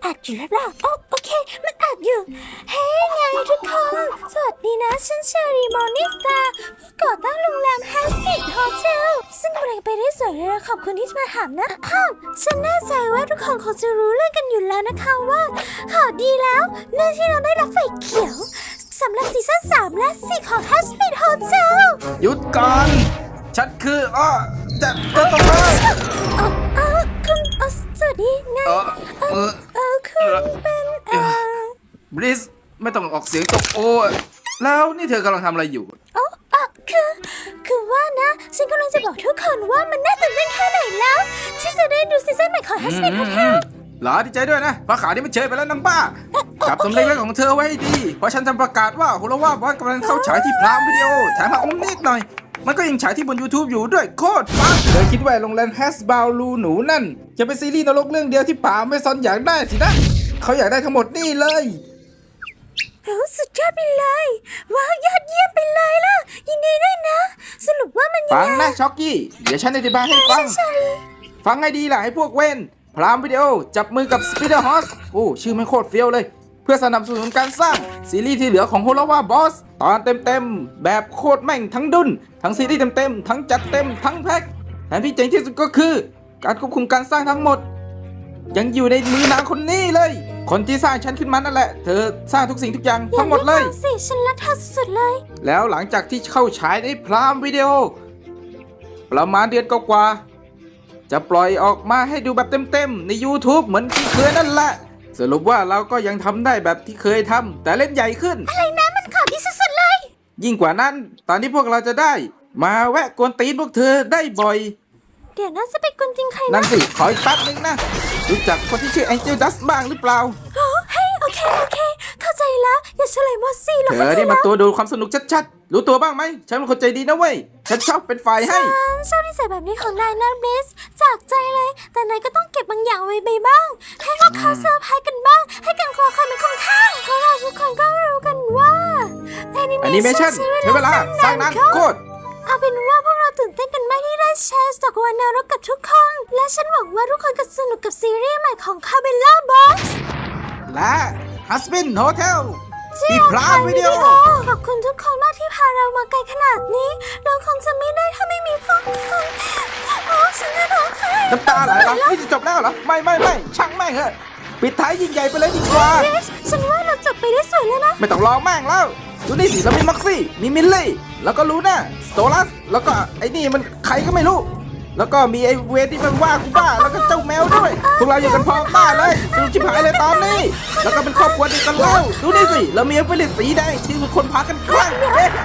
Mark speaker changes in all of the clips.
Speaker 1: อัดอยู่หรือเปล่าโอเคมันอัดอยู่เฮ้ยไงทุกคนสวัสดีนะฉันเชอรีมอนิสตาผู้ก่อตั้งโรงแรมแฮสปิทโฮเทลซึ่งกำลังไปได้สวยเลยขอบคุณที่มาถามนะฉันแน่ใจว่าทุกคนคงจะรู้เรื่องกันอยู่แล้วนะคะว่าข่าวดีแล้วเรื่องที่เราได้รับไฟเขียวสำหรับซีซั่น3และ4ของ Hasbit Hotel
Speaker 2: หยุดก่อนฉันคือจะต้องเลย
Speaker 1: คุณสวัสดีไงคุณเป็น
Speaker 2: บริสไม่ต้องออกเสียงตกโอแล้วนี่เธอกำลังทำอะไรอยู่
Speaker 1: คือว่านะฉันกำลังจะบอกทุกคนว่ามันน่าตื่นเต้นแค่ไหนแล้วที่จะได้ดูซีซั่นใหม่ของ Hasbit Hotel
Speaker 2: หลาดีใจด้วยนะเพราะข่าวนี้มันเชยไปแล้วนางบ้าจับตำเล็กๆของเธอไว้ให้ดีเพราะฉันทำประกาศว่าโฮโลวาบอสกำลังเข้าฉายที่พรามวิดีโอแถมมาองค์นิดหน่อยมันก็ยังฉายที่บน YouTube อยู่ด้วยโคตรฟังเธอคิดว่าโรงแรมแฮสบาวลูหนูนั่นจะเป็นซีรีส์นรกเรื่องเดียวที่ป่าไม่ซอนอยากได้สินะเขาอยากได้ทั้งหมดนี่เลย
Speaker 1: สุดยอดไปเลยว้าวยอดเยี่ยมไปเลยล่ะยินดีด้วยนะสรุปว่ามันยังไง
Speaker 2: ฟังนะช็อกกี้เดี๋ยวฉันอธิบายให้ฟังฟังให้ดีล่ะให้พวกเว้นพรามวิดีโอจับมือกับสปีดเดอร์ฮอสชื่อไม่โคตรเฟี้ยวเลยเพื่อสนับสนุนการสร้างซีรีส์ที่เหลือของโฮโลวาบอสตอนเต็มๆแบบโคตรแม่งทั้งดุนทั้งซีรีส์เต็มๆทั้งจัดเต็มทั้งแพ็คแถมที่เจ๋งที่สุดก็คือการควบคุมการสร้างทั้งหมดยังอยู่ในมือนางคนนี้เลยคนที่สร้างฉันขึ้นมานั่นแหละเธอสร้างทุกสิ่งทุกอย่างทั้งหมดเลย
Speaker 1: สิฉันรักเธอสุดๆเลย
Speaker 2: แล้วหลังจากที่เข้าฉายในพรามวิดีโอประมาณเดือนกว่าจะปล่อยออกมาให้ดูแบบเต็มๆใน YouTube เหมือนที่เคยนั่นแหละสรุปว่าเราก็ยังทำได้แบบที่เคยทำแต่เล่นใหญ่ขึ้น
Speaker 1: อะไรนะมันข่าวดีสุดๆเลย
Speaker 2: ยิ่งกว่านั้นตอนนี้พวกเราจะได้มาแวะกวนตีนพวกเธอได้บ่อย
Speaker 1: เดี๋ยวน่าจะเป็นคนจริงใคร
Speaker 2: นั่นสิขออีกแป๊บนึงนะรู้จักคนที่ชื่อแองเจลดัสบ้างหรือเปล่า
Speaker 1: เฮ้ยโอเคเข้าใจแล้วอย่าเฉลยหมดสิ
Speaker 2: เธอนี่มันตัวดูความสนุกชัดๆรู้ตัวบ้างไหมฉันเป็นคนใจดีนะเว้ยฉันชอบเป็นฝ่ายให้
Speaker 1: ชอบนิสัยแบบนี้ของนายนะเบสจากใจเลยแต่นายก็ต้องเก็บบางอย่างไว้ไปบ้างให้ลูกค้าเซอร์ไพรส์กันบ้างให้การคอคอยมันคุ้มค่าเพราะเราทุกคนก็รู้กันว่าแอนิเมชั่น
Speaker 2: ใช้เวลาสร้างนานโคตร
Speaker 1: เอาเป็นว่าพวกเราตื่นเต้นกันมากที่ได้แชร์จากวันนรกกับทุกคนและฉันหวังว่าทุกคนจะสนุกกับซีรีส์ใหม่ของ Cabela Box
Speaker 2: และ Hasbit Hotel ที่พรามวิดีโอ
Speaker 1: ขอบคุณทุกคนมากที่พาเรามาไกลขนาดนี้เราคงจะไม่ได้ถ้าไม่มีพวกคุณฉันจะร้องไห้
Speaker 2: น้ำตาไหลเหรอนี่จะจบแล้วเหรอไม่ช่างแม่งเถอะปิดท้ายยิ่งใหญ่ไปเลยดีกว่า
Speaker 1: ฉันว่าเราจบไปได้สวยแล้วนะ
Speaker 2: ไม่ต้องรอแม่งแล้วดูนี่สิเรามีม็อกซี่มีมิลลี่แล้วก็ลูน่าสโตลัสแล้วก็ไอ้นี่มันใครก็ไม่รู้แล้วก็มีไอ้เวทที่มันว่ากูบ้าแล้วก็เจ้าแมวด้วยพวกเราอยู่กันพร้อมบ้าเลยดูชิบหายเลยตอนนี้แล้วก็เป็นครอบครัวเดียวกันแล้วดูนี่สิเรามีเฟลิสสีแดงที่ทุกคนพากันคลั่ง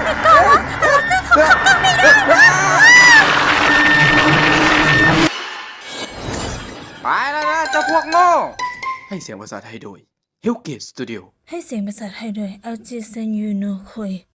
Speaker 2: ไปแล้วนะเจ้าพวกโง่ให้เสียงภาษาไทยโดย Hellgate Studio
Speaker 1: ให้เสียงภาษาไทยโดย LG Sen Yuno Koi